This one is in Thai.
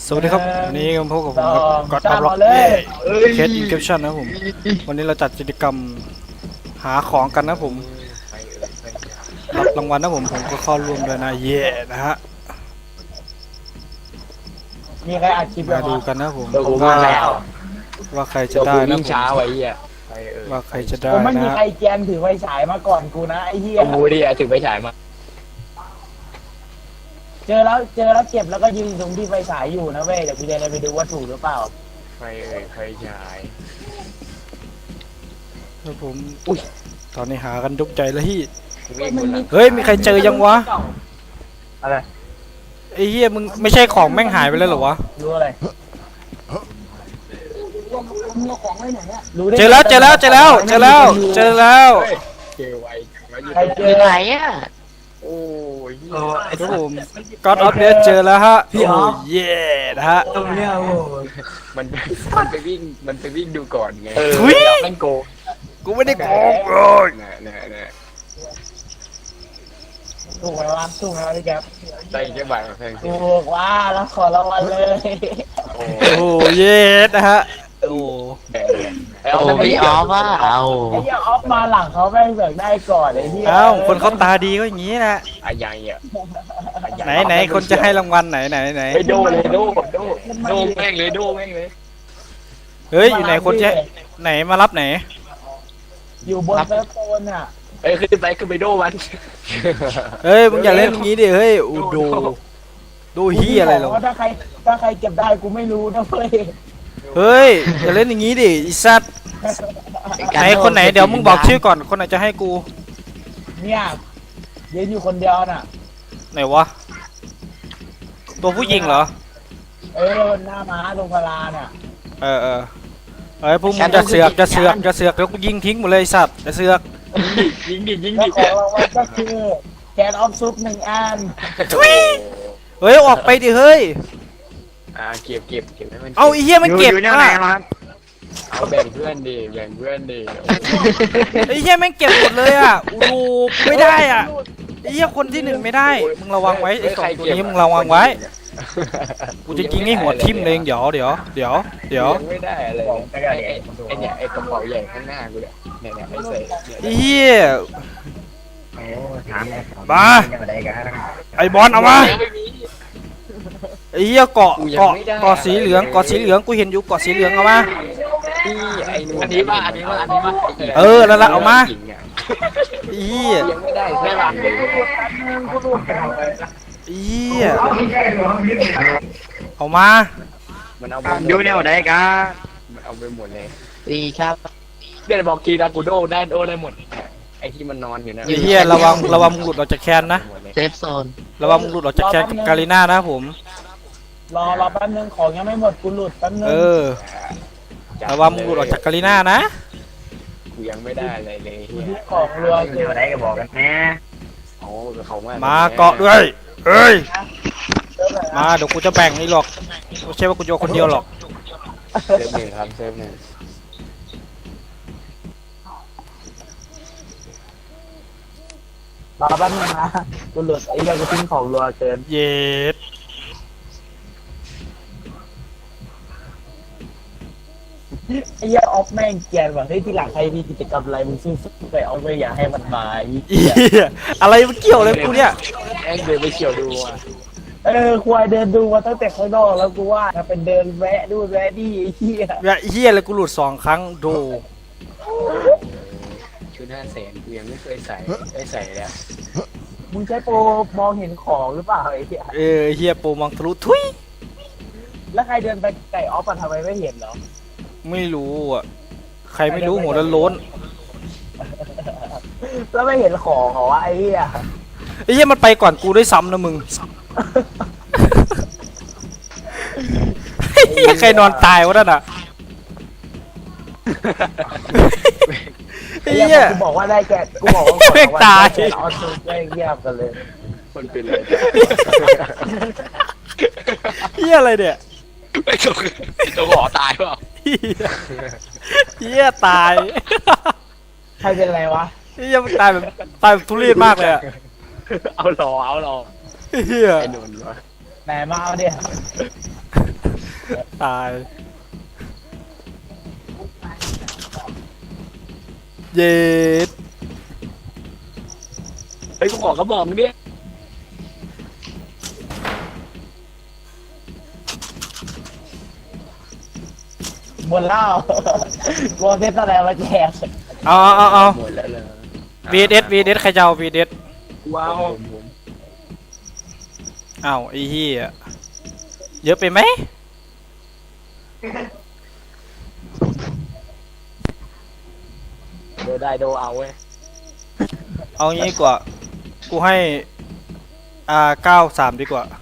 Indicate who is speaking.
Speaker 1: สวัสดีครับวันนี้พบกับผมก็อดอัพล็อกเคสอินเคปชั่นนะผมวันนี้เราจัดกิจกรรมหาของกันนะผมรับรางวัลนะผมก็เข้าร่วมด้วยนะเย่นะฮะ
Speaker 2: มีใครอัดคลิป
Speaker 1: มาดูกันนะผมว่าใครจะได้นะผม
Speaker 3: ช้าไว้เหี้ย
Speaker 1: ว่าใครจะได้
Speaker 2: ไม่มี
Speaker 1: นะ
Speaker 2: ใครแกนถือไฟฉายมาก่อนกูนะไอ้เหี้ย
Speaker 3: กูดิถือไฟฉายมา
Speaker 2: เจอแล้วเก็บแล้วก็ยืนตรงที่ไฟฉายอยู่นะเว้ยเดี๋ยวกูจะไปดูว่าถูกหรือเปล่า
Speaker 3: ไฟฉาย
Speaker 1: ครับผมอุ้ยตอนนี้หากันยกใจแล้วที่
Speaker 3: เฮ้
Speaker 1: ยมีใครเจอยังวะ
Speaker 2: อะไร
Speaker 1: ไอ้เหี้ยมึงไม่ใช่ของแม่งหายไปแล้วเหรอวะ
Speaker 2: รู้อะไร
Speaker 1: เจอแล้ว
Speaker 3: ใครเจอ
Speaker 2: ไหนอ่ะ
Speaker 3: โอ้ย
Speaker 1: ครับผมก็อดอัพเนี่ยเจอแล้วฮะโอ้เย่นะฮะ
Speaker 2: ตรงเนี้ยโอ้
Speaker 3: มันไปวิ่งดูก่อนไงมันโก
Speaker 1: กูไม่ได้โกง
Speaker 3: เนี่ย
Speaker 2: ถูกไหมวะพี่แก๊ป
Speaker 3: ได้แค่บาทแพง
Speaker 2: ถูกว่าแล้วขอรางวัลเลย
Speaker 1: โอ้เย่นะฮะโอ้
Speaker 3: พี่ออฟว่า
Speaker 2: ไอ้เหี้ยออฟมาหลังเขาแม่งเสือกได้ก่อนไอ้เหี้ย
Speaker 1: คนเขาตาดีก็อย่างนี้นะ
Speaker 3: อะไรอ่ะ
Speaker 1: ไหนคนจะให้รางวัลไหน
Speaker 3: ไปโดเลยโดแม่งเลย
Speaker 1: เฮ้ยอยู่ไหนคนจะไหนมารับไหน
Speaker 2: อยู่บนเซิร์ฟโซนอ่ะ
Speaker 3: ขึ้นไปโดมัน
Speaker 1: เฮ้ยมึงอย่าเล่นอย่างนี้ดิเฮ้ยดูเฮียอะไรหรอ
Speaker 2: ถ้าใครเก็บได้กูไม่รู้นะเว้ย
Speaker 1: เฮ้ยอย่าเล่นอย่างนี้ดิไอ้สัตว์ไหนคนไหนเดี๋ยวมึงบอกชื่อก่อนคนไหนจะให้กู
Speaker 2: เนี่ยยืนอยู่คนเดียวน่ะ
Speaker 1: ไหนวะตัวผู้หญิงเหรอ
Speaker 2: หน้าม้าตรงพลาน่ะ
Speaker 1: เฮ้ยพวกมึงจะเสือกแล้วกูยิงทิ้งหมดเลยสัตว์จะเสือก
Speaker 3: ยิงดิ
Speaker 2: ของรางวัลก็คือแกนออฟซุป1 อัน
Speaker 1: เฮ้ยออกไปดิเฮ้ย
Speaker 3: เก็บให้มัน
Speaker 1: เอาไอ้เหี้ยมันเก็บอ่ะ
Speaker 3: เอาแบ่งเพื่อนดิ
Speaker 1: ไอ้เหี้ยมันเก็บหมดเลยอ่ะดูไม่ได้อ่ะไอ้เหี้ยคนที่1ไม่ได้มึงระวังไว้ไอ้2ตัวนี้มึงระวังไว้กูจะยิงให้หัวทิ่มเลยเดี๋ยว
Speaker 3: ไม่ได้อะไรไอ้กระเป๋าใหญ่ข้างหน้ากูเนี่ยไอ้ใส่
Speaker 1: เหี้ยมาไอ้บอลเอามาไอ้เหี้ยเกาะสีเหลืองกูเห็นอยู่เกาะสีเหลืองเอามา
Speaker 3: อันนี้มา
Speaker 1: แล้วละเอามาเหี้ย
Speaker 3: ยังไม่ได้ไม่หลัง
Speaker 1: เหี้ยเอามา
Speaker 3: มันเอาดูแนวไหนกันมันเอาไปหมดเลย
Speaker 2: ดีครับ
Speaker 3: เดี๋ยวบอกทีนะกูโดได้หมดไอ้ที่มันนอนอยู่นะ
Speaker 1: เหี้ยระวังมึงหลุดออกจากแคนนะ
Speaker 2: เซฟโซน
Speaker 1: ระวังมึงหลุดออกจากแคนกับกาลิน่านะผม
Speaker 2: รอแป๊บนึงของยังไม่หมดกูหลุดแป๊บนึง
Speaker 1: ระวังมึงหลุดออกจากกาลิน่านะ
Speaker 3: กูยังไม่ได้อะไรเลย
Speaker 2: ของเรือคือ
Speaker 3: อะไรก็บอกกันแน่โอ้เขา
Speaker 1: มาเกาะด้วยเอ้ยมาเดี๋ยวกูจะแบ่งนี่หรอกไม่ใช่ว่ากูจะคนเดียวหรอก
Speaker 3: เซฟหนึ่งครับเซฟหนึ่ง
Speaker 2: รอแป๊บนึงนะกูหลุดไอ้เรื่องกูทิ้งของเรือเกิน
Speaker 1: เย็ด
Speaker 2: ไอ้เหี้ยออฟแม่งเกลียดว่ะเฮ้ยทีหลังใครมีกิจกรรมอะไรมึงซื้อไปเอาไปอย่าให้มันมา
Speaker 1: อะไรมันเกี่ยวอะไรกูเนี่ย
Speaker 3: เดินไปเฉียวดูอ่ะ
Speaker 2: ควายเดินดูมาตั้งแต่ข้างนอกแล้วกูว่าถ้าเป็นเดินแวะดูแวะดีไอ้เหี้ย
Speaker 1: เหี้ยเลยกูหลุด2 ครั้งดู
Speaker 3: ชุด500,000กูยังไม่เคยใส่เลย
Speaker 2: มึงใช้โปรมองเห็นของหรือเปล่าไอ้เหี้ย
Speaker 1: เหี้ยโปรมองทะลุทุย
Speaker 2: แล้วใครเดินไปไก่ออฟทำไมไม่เห็นเหรอ
Speaker 1: ไม่รู้อ่ะใครไม่รู้หัวล้น
Speaker 2: แล้วไม่เห็นของเหรอวะไอ้เหี้ย
Speaker 1: มันไปก่อนกูด้วยซ้ำนะมึงใครนอนตายวะนั่นอ่ะ
Speaker 2: กูบอกว่าได้แกกูบอกว่า
Speaker 1: ตาย
Speaker 2: เอาสุดได้เงียบกันเลย
Speaker 3: คนเป็นเลย
Speaker 1: อะไรเนี่ย
Speaker 3: ไม่ตัวหอตายเปล่า
Speaker 1: ตาย
Speaker 2: ใครเป็นอะไรวะ
Speaker 1: มันตายแบบทุเรศมากเลยอะ
Speaker 3: เอาหรอ
Speaker 1: เฮีย
Speaker 2: ไหนมาเอาดิ
Speaker 1: ตาย เย็ด
Speaker 3: เฮ้ยกูบอกก็บอกเนี่ย
Speaker 2: บนเล่าโกเซตอะไรมาแจก
Speaker 1: เอา
Speaker 3: หมดแล้วเลย
Speaker 1: VS ใครจะเอา VS
Speaker 3: ว้าว
Speaker 1: อ้าวไอ้เหี้ยเยอะไปไหม
Speaker 3: โดได้โดเอาเว้ย
Speaker 1: เอางี้ดีกว่า กูให้93ดีกว่า